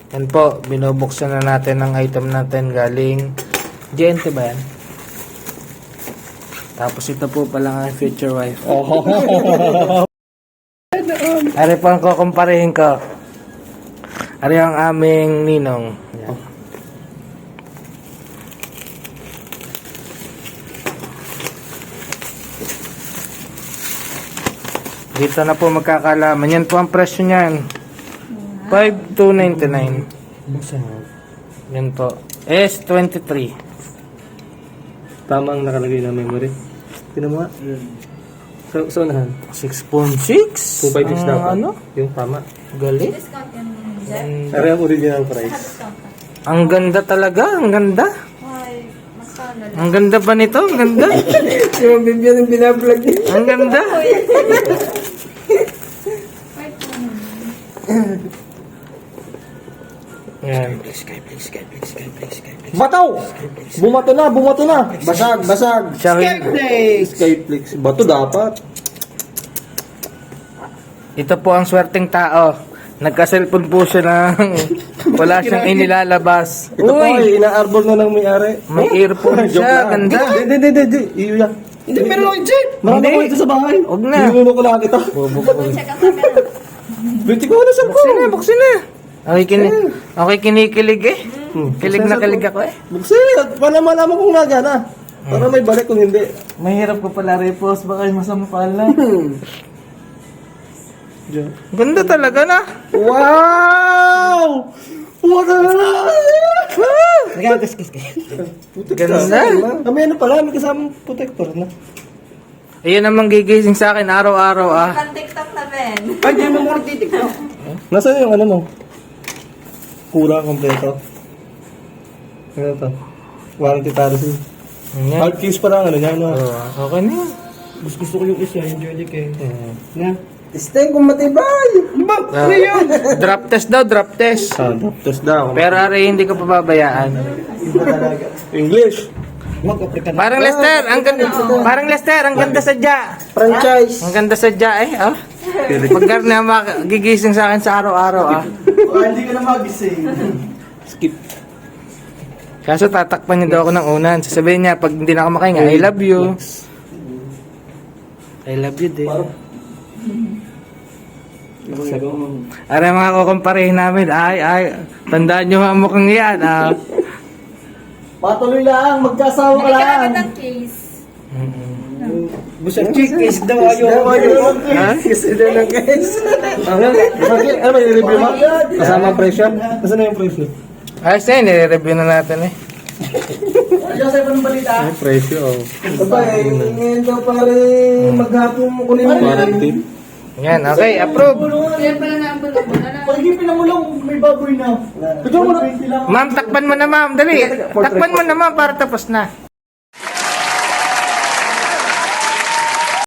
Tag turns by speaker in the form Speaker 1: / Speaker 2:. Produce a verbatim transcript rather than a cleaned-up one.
Speaker 1: Yan po, binubuksan na natin ang item natin galing G N T ba yan? Tapos ito po pala ang future wife. Ari po ang kukumparehin ko. Ari ang aming ninong. Yan. Dito na po magkakalaman. Yan po ang presyo niyan. five thousand two hundred ninety-nine. Yan po. S twenty-three.
Speaker 2: Tama ang nakalagay na memory. Tinan mo nga. So, so nahan.
Speaker 1: six point six?
Speaker 2: two fifty-six daw pa.
Speaker 1: Ano?
Speaker 2: Yung tama.
Speaker 1: Galing.
Speaker 3: Discount yan, Jeff.
Speaker 2: Pero yung original price.
Speaker 3: Discount ka.
Speaker 1: Ang ganda talaga. Ang ganda.
Speaker 3: Ay, mas sana lang.
Speaker 1: Ang ganda ba nito? Ang ganda.
Speaker 2: Yung bibyan yung binablog niya.
Speaker 1: Ang ganda.
Speaker 3: Five po naman.
Speaker 1: Yan.
Speaker 2: Bataw! Bumato na, bumato na! Basag, basag!
Speaker 1: Siya rin.
Speaker 2: Skyflix! Skyflix. Bato dapat.
Speaker 1: Ito po ang swerteng tao. Nagka-cellphone po siya ng wala siyang inilalabas.
Speaker 2: Ito pa,
Speaker 1: Uy!
Speaker 2: ina-arbor na ng may-ari.
Speaker 1: May earphone
Speaker 2: Joke
Speaker 1: siya.
Speaker 2: lang.
Speaker 1: Ganda.
Speaker 2: Hindi, hindi, hindi, hindi. Iyo yan. Hindi, meron ako dyan. Marami
Speaker 1: Hindi.
Speaker 2: ko ito sa bahay.
Speaker 1: Huwag na.
Speaker 2: Ninuno ko lang kita.
Speaker 3: Check out ka na.
Speaker 2: Binti ko na sa
Speaker 1: Buksin na, buksin na. Okay, kini okay kinikilig eh.
Speaker 2: Hmm.
Speaker 1: Kilig na kilig ako eh.
Speaker 2: Buksin! Para malaman kung nagana. Para may balik kung hindi.
Speaker 1: Mahirap ko pala repost. Baka masampal na.
Speaker 2: Diyan.
Speaker 1: Ganda talaga na.
Speaker 2: Wow! Wala na!
Speaker 1: Ganda.
Speaker 2: Kami ano pala, may kasamang protector na.
Speaker 1: Ayun ang gigising sa akin araw-araw ah.
Speaker 3: Pan TikTok na, Ben.
Speaker 2: Ay, di mo muna titiktok. Nasaan yung ano mo? Kura kompleto. Ano to? Warranty policy.
Speaker 1: Yan.
Speaker 2: Hard case pa lang ano niya, no?
Speaker 1: Oh, okay na yan.
Speaker 2: Gusto, gusto ko yung isa, yung Jolly King. Na? Stay kung matibay! Ba?
Speaker 1: Ah, drop test daw, drop test.
Speaker 2: Ah, test daw.
Speaker 1: Pero ari hindi ko pababayaan.
Speaker 2: English.
Speaker 1: Parang Lester, ang ganda. Parang Lester, ang ganda sadya.
Speaker 2: Franchise.
Speaker 1: Ang ganda sadya eh, oh. Pag na magigising sa akin sa araw-araw ah.
Speaker 2: Hindi ka na magising. Skip.
Speaker 1: Kaso tatakpan niya daw ako ng unan. Sasabihin niya pag hindi na ako makahinga, I love you. I love you din. Aray mga kukumparehin namin, ay, ay, tandaan nyo ang mukhang yan, ah.
Speaker 2: Patuloy lang, magkasawa ka
Speaker 3: Balik ka
Speaker 2: lang.
Speaker 3: namin ng case.
Speaker 2: Busa chickies daw ayaw.
Speaker 1: Ha?
Speaker 2: Kasi daw ng guys. Ano? Bakit? Ano ba i-review mo? Kasama ang presyo? Nasaan na yung presyo?
Speaker 1: Ayos na yun, nire-review na natin eh.
Speaker 2: Ayaw sa'yo pa ng balita?
Speaker 1: Yung presyo, oh.
Speaker 2: Aba, eh, ngayon daw pare maghapong kunin mo. Warranty.
Speaker 1: Yan, okay, approve.
Speaker 3: Yan pala na ang bulong.
Speaker 2: Pagigipin na mo lang, may baboy na. Ito mo na.
Speaker 1: Ma'am, takpan mo na ma'am, dali. Takpan mo na ma'am para tapos na.